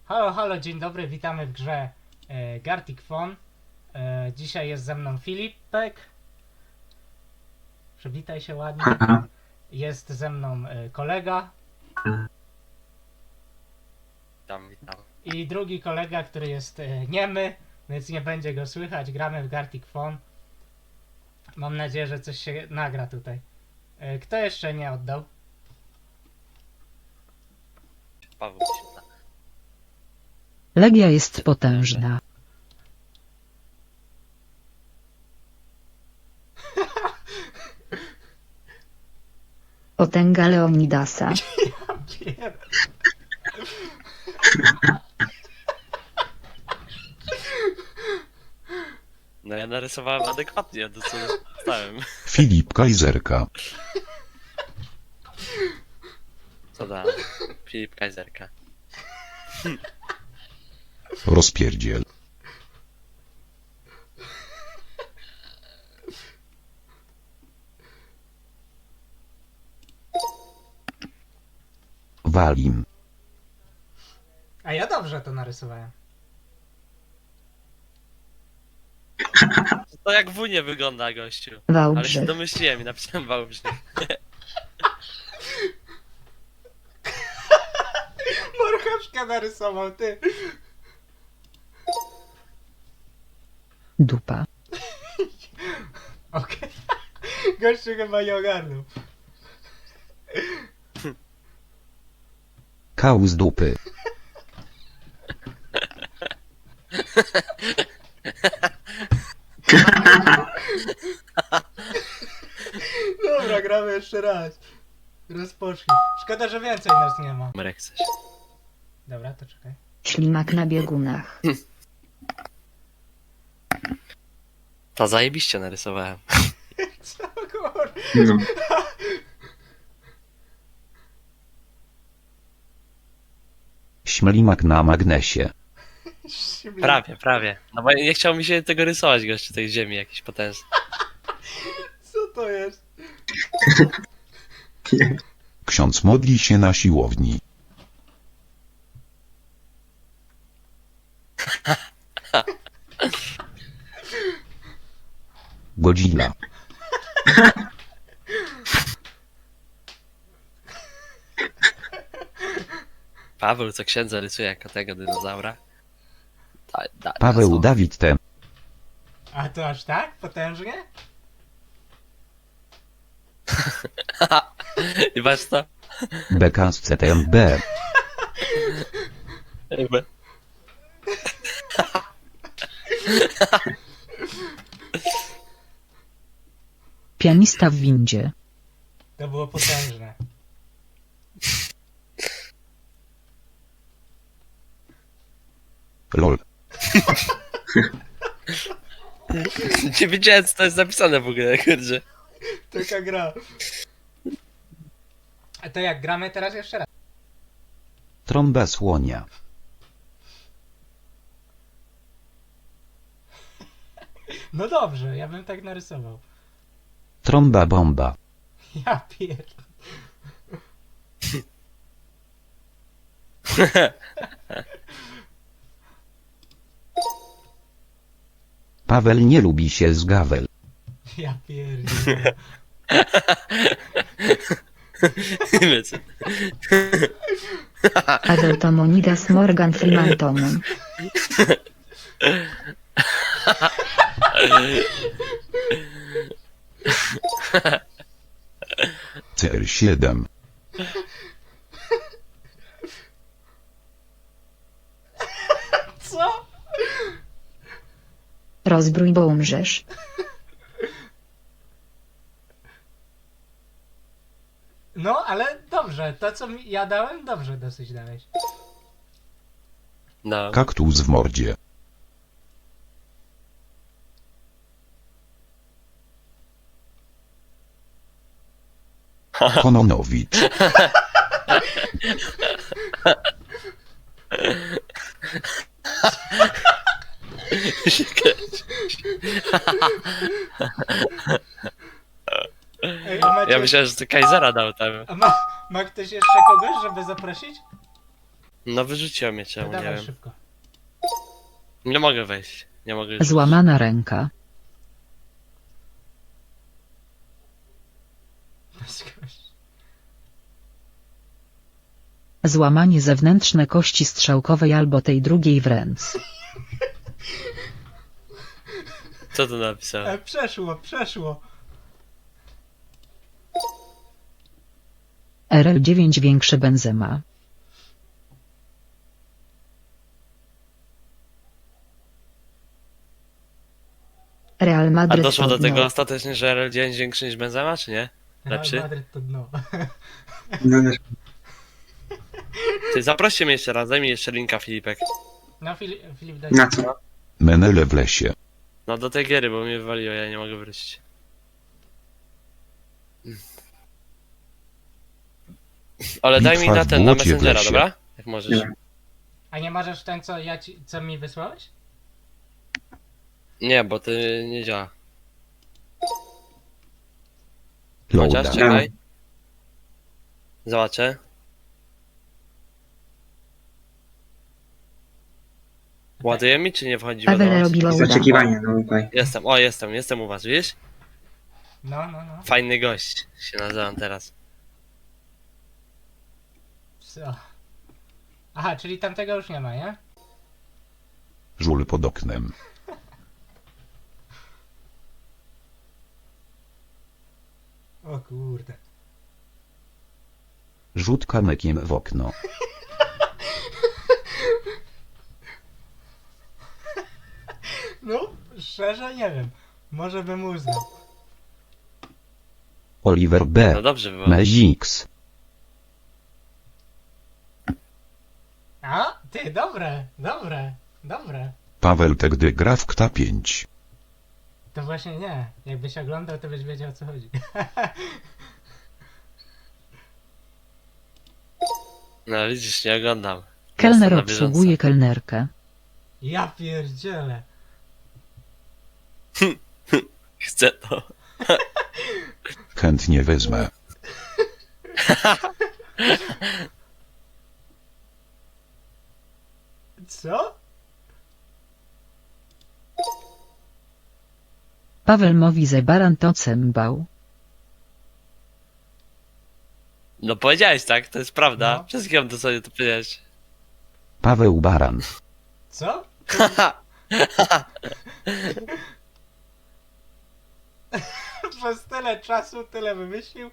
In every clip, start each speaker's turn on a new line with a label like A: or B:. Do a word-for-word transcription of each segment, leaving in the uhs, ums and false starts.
A: Halo, halo, dzień dobry, witamy w grze e, Gartic Phone. E, dzisiaj jest ze mną Filipek. Przywitaj się ładnie. Jest ze mną e, kolega.
B: Witam, witam.
A: I drugi kolega, który jest e, niemy, więc nie będzie go słychać. Gramy w Gartic Phone. Mam nadzieję, że coś się nagra tutaj. E, kto jeszcze nie oddał?
B: Paweł się da.
C: Legia jest potężna. Potęga Leonidasa.
A: Pier-
B: No ja narysowałem adekwatnie do co dostałem.
D: Filip Kajzerka.
B: Co da? Filip Kajzerka.
D: Rozpierdziel. Walim.
A: A ja dobrze to narysowałem.
B: To jak w nie wygląda, gościu. Ale się
C: Wałbrzych.
B: domyśliłem i napisałem Wałbrzych.
A: Marchewka narysował, ty.
C: Dupa.
A: Okej. Gościu chyba nie ogarnął.
D: Kał z dupy.
A: Dobra, gramy jeszcze raz. Rozpocznij. Szkoda, że więcej nas nie ma.
B: Marek coś.
A: Dobra, to czekaj.
C: Ślimak na biegunach.
B: To zajebiście narysowałem.
A: Co kur...
E: No.
D: Śmelimak na magnesie.
B: Prawie, prawie. No bo nie chciał mi się tego rysować, gościu, tej ziemi jakiś potężny.
A: Co to jest?
D: Ksiądz modli się na siłowni. Godzilla.
B: Paweł co księdza rysuje jako tego dinozaura. Da, da,
D: Paweł
B: da,
D: Dawid T.
A: A to aż tak? Potężnie?
B: I patrz to.
D: B K z C T M B.
B: Jakby.
C: Pianista w windzie.
A: To było potężne.
D: Lol.
B: Nie wiedziałem co to jest napisane w ogóle, kurde.
A: Taka gra. A to jak gramy teraz jeszcze raz?
D: Trąba słonia.
A: No dobrze, ja bym tak narysował.
D: Trąba bomba.
A: Ja pier...
D: Paweł nie lubi się z Gawel.
A: Ja pierdolę.
B: Wiecie.
C: Adeltomonidas Morgan Freemantonem.
D: C R siedem.
A: Co?
C: Rozbrój, bo umrzesz.
A: No, ale dobrze, to co mi ja dałem, dobrze dosyć dałeś.
B: No.
D: Kaktus w mordzie. Kononowicz.
B: się kręci.
A: Ej, a macie...
B: Ja myślałem, że to Kaisera dał tam.
A: A ma, ma ktoś jeszcze kogoś, żeby zaprosić?
B: No wyrzuciło mnie
A: To
B: czemu, nie
A: dawaj
B: wiem.
A: szybko.
B: Nie mogę wejść. Nie mogę już.
C: Złamana ręka. Złamanie zewnętrzne kości strzałkowej albo tej drugiej w ręce.
B: Co tu napisałem?
A: E, przeszło, przeszło.
C: R L dziewięć większe Benzema. Real
B: A
C: Madryt
B: doszło do
C: to
B: tego
C: dno.
B: ostatecznie, że R L dziewięć większy niż Benzema, czy nie? Lepszy?
A: Real Madryt to dno.
E: No też.
B: Ty zaproście mnie jeszcze raz, daj mi jeszcze linka, Filipek.
A: No Filip, Filip daj.
E: Na co?
D: Menele w lesie.
B: No do tej giery, bo mnie wywaliło, ja nie mogę wrócić. Ale daj mi
D: Bitwa
B: na
D: w
B: ten, na
D: błocie w
B: Messengera,
D: lesie.
B: dobra? Jak możesz.
E: Nie.
A: A nie możesz ten, co ja ci, co mi wysłałeś?
B: Nie, bo ty nie działa.
D: Loada.
B: Chociaż, czekaj. Zobaczę. Ładuje mi, czy nie wchodzi
C: Paweł
B: wiadomość?
C: robi
E: Jest
C: loada.
E: oczekiwanie, no okej.
B: Jestem, o jestem, jestem u was, widzisz?
A: No, no, no.
B: Fajny gość się nazywam teraz.
A: Co? Aha, czyli tamtego już nie ma, nie?
D: Żul pod oknem.
A: O kurde.
D: Rzut kamykiem w okno.
A: No, szczerze nie wiem. Może bym uznał.
D: Oliver B.
B: No dobrze było.
D: Mezix.
A: A? Ty, dobre, dobre, dobre.
D: Paweł te gdy gra w Kta pięć.
A: To właśnie nie. Jakbyś oglądał, to byś wiedział o co chodzi.
B: No widzisz, nie oglądam.
C: Kelner
B: Jestem na bieżąco.
C: obsługuje kelnerkę.
A: Ja pierdzielę.
B: Chcę to.
D: Chętnie wezmę.
A: Co?
C: Paweł mówi, że baran to cymbał.
B: No powiedziałeś tak, to jest prawda.
A: No.
B: Przez kim to sobie to powiedziałeś?
D: Paweł Baran.
A: Co? Przez tyle czasu tyle wymyślił.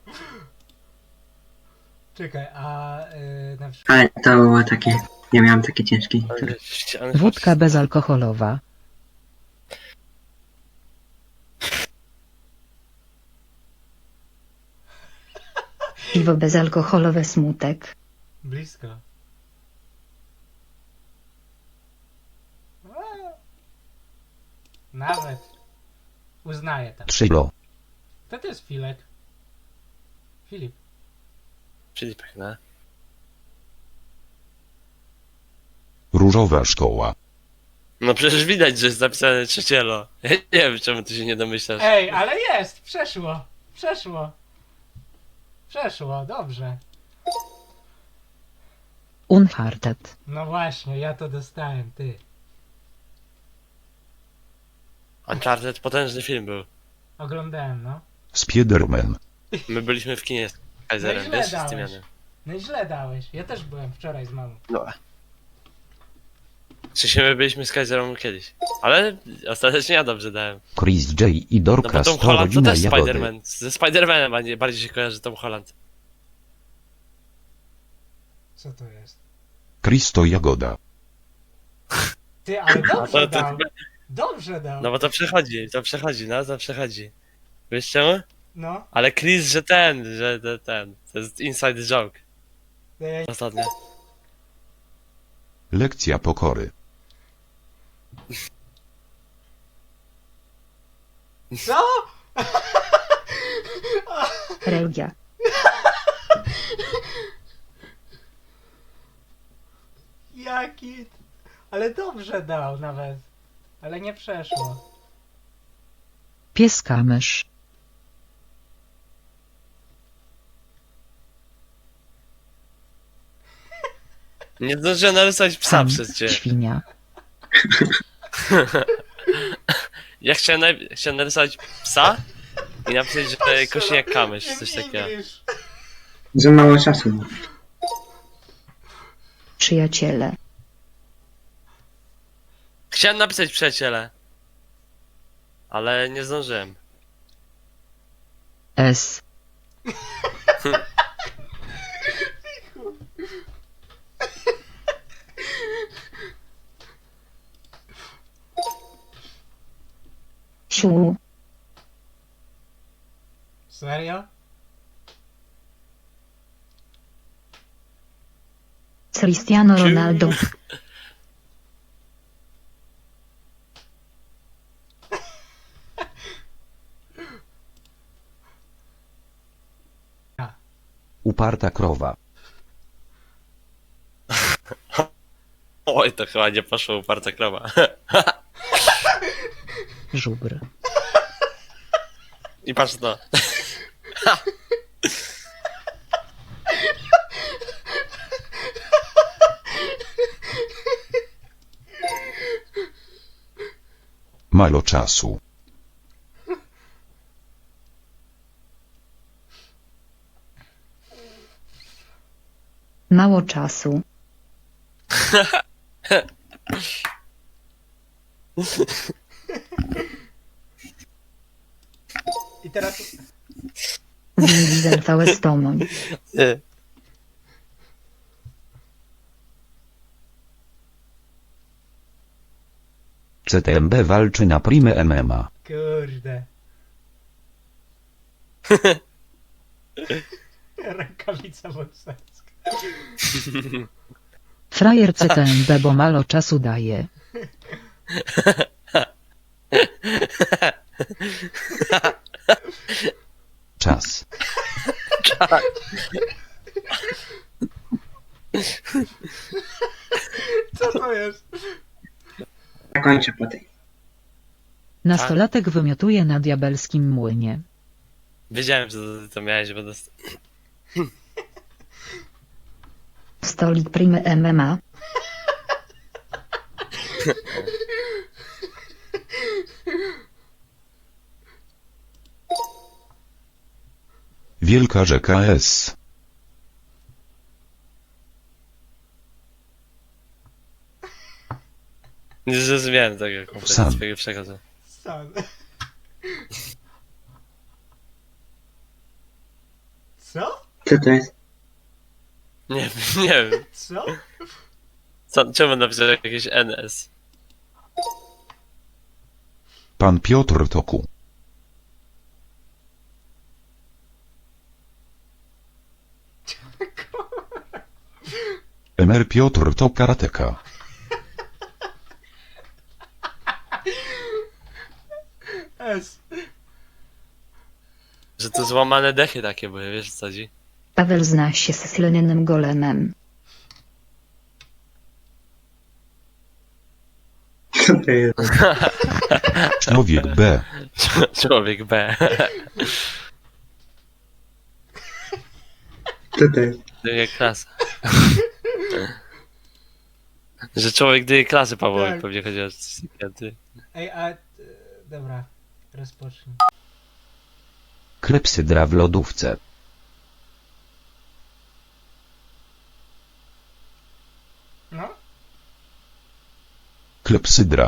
A: Czekaj, a yy, na przykład.
E: Ale to było takie, ja miałem takie ciężkie.
C: Wódka bezalkoholowa. Piwo bezalkoholowe smutek.
A: Blisko. A, nawet. Uznaję to.
D: Trzylo.
A: To to jest Filek. Filip.
B: Filipek, no.
D: Różowa szkoła.
B: No przecież widać, że jest zapisane trzecielo. Ja nie wiem, czemu ty się nie domyślasz.
A: Ej, ale jest! Przeszło! Przeszło! Przeszło, dobrze.
C: Uncharted.
A: No właśnie, ja to dostałem, ty.
B: Uncharted potężny film był.
A: Oglądałem, no.
D: Spiderman.
B: My byliśmy w kinie z Kaiserem,
A: No i źle
B: wiesz, z
A: dałeś.
B: Tymianem.
A: No i źle dałeś. Ja też byłem wczoraj z mamą.
B: No. Czy się my byliśmy z Kaiserem kiedyś? Ale ostatecznie ja dobrze dałem.
D: Chris J. i
B: No
D: Dorka
B: bo Tom
D: sto
B: Holland to
D: rodzina
B: też
D: jagody.
B: Spider-Man. Ze Spider-Manem a nie- bardziej się kojarzy Tom Holland.
A: Co to jest?
D: Kristo Jagoda.
A: Ty, ale
B: A
A: dobrze
B: to, to,
A: dał. Dobrze dał.
B: no bo to przechodzi, to przechodzi, no to przechodzi. Wiesz czemu?
A: No.
B: Ale Chris, że ten, że te- ten. To jest inside joke.
A: Ej,
B: Ostatnio.
D: Lekcja pokory.
A: Co?
C: Religia.
A: Jaki... Ale dobrze dał nawet. Ale nie przeszło.
C: Pieska mysz.
B: Nie zdążyłem narysować psa
C: Ham,
B: przez cię.
C: świnia.
B: Ja chciałem, naj... chciałem narysować psa i napisać, że
A: Patrzę
B: kosi jak
A: na-
B: kamysz,
A: jak
B: coś takiego.
A: English.
E: Za mało czasu.
C: Przyjaciele.
B: Chciałem napisać przyjaciele. Ale nie zdążyłem.
C: S. Siu.
A: Serio?
C: Cristiano Ronaldo.
D: Uparta krowa.
B: Oj, to chyba nie poszło uparta krowa.
C: Żubr.
B: I patrz to.
D: Mało czasu.
C: Mało czasu.
A: I teraz...
C: Vin Diesel V S Tomoń.
B: Nie.
D: C T M B walczy na Prime M M A.
A: Kurde. Rękawica bokserska.
C: Frajer C T M B, bo mało czasu daje.
D: Czas.
A: Co to jest?
E: Zakończę po tej.
C: Nastolatek wymiotuje na diabelskim młynie.
B: Wiedziałem, że to, to miałeś, bo dost...
C: Stolik Primy M M A.
D: Wielka rzeka S.
B: Nie zrozumiałem tego kompletnie
D: Sam.
B: swojego przekazu.
A: Sam. Co?
E: Co to jest?
B: Nie wiem, nie wiem.
A: Co?
B: Co, czemu napisał jakieś N S?
D: Pan Piotr Toku. Emer Piotr to karateka.
A: S.
B: Że to złamane dechy takie były, wiesz co chodzi?
C: Paweł zna się z silnym golemem.
E: Co to jest?
D: Człowiek B.
B: Człowiek B.
E: Co to jest?
B: Dyje klasa. Że człowiek dyje klasy Pawłowi,
A: Tak.
B: pewnie chodzi o coś takiego.
A: Ej, a... e, Dobra. Rozpocznij.
D: Klepsydra w lodówce.
A: No?
D: Klepsydra.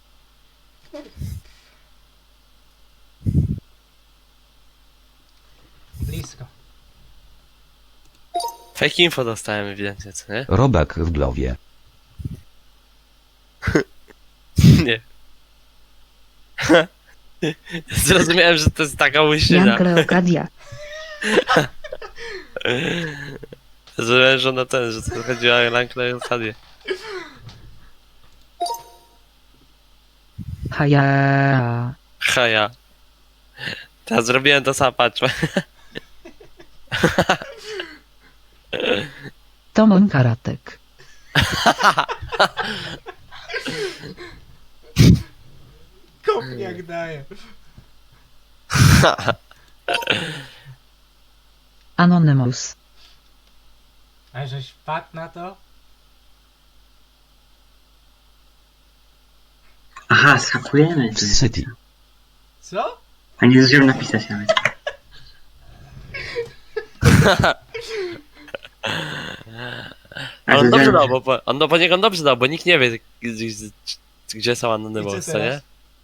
A: Blisko.
B: Fake info dostałem ewidentnie, co nie?
D: Robak w głowie.
B: Nie. Zrozumiałem, że to jest taka łysiena.
C: Jan Kleokadia.
B: Zrozumiałem, że na ten, że to chodziło o Lankle i Fadię.
C: Haja.
B: Ha ja. Teraz zrobiłem to sam, patrz.
C: Tomoń Karatek.
A: Kopniak daje.
C: Anonymous.
A: A żeś wpadł na to?
E: Aha, skakujemy. tu.
D: Z City.
A: Co?
E: A nie zdążyłem napisać nawet. A
B: Ale on dobrze
E: zdążyłem-
B: dał, bo, on, no, bo niech on dobrze dał, bo nikt nie wie, gdzie, gdzie są
A: I
B: Anonymous,
A: co
B: co nie?
A: teraz?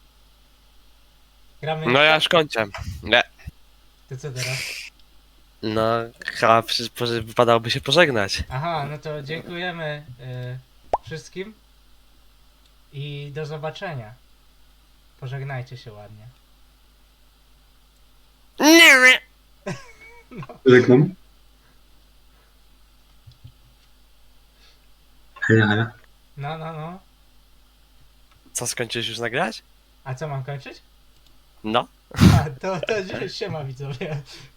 A: Gramy
B: No ja
A: jeszcze?
B: już kończę. Nie.
A: To co teraz?
B: No, chyba przecież poże- wypadałoby się pożegnać.
A: Aha, no to dziękujemy y, wszystkim i do zobaczenia. Pożegnajcie się ładnie.
E: Żegnam. Halo, halo.
A: No, no, no.
B: Co, skończyłeś już nagrać?
A: A co mam kończyć?
B: No.
A: A, to, to się ma widzowie.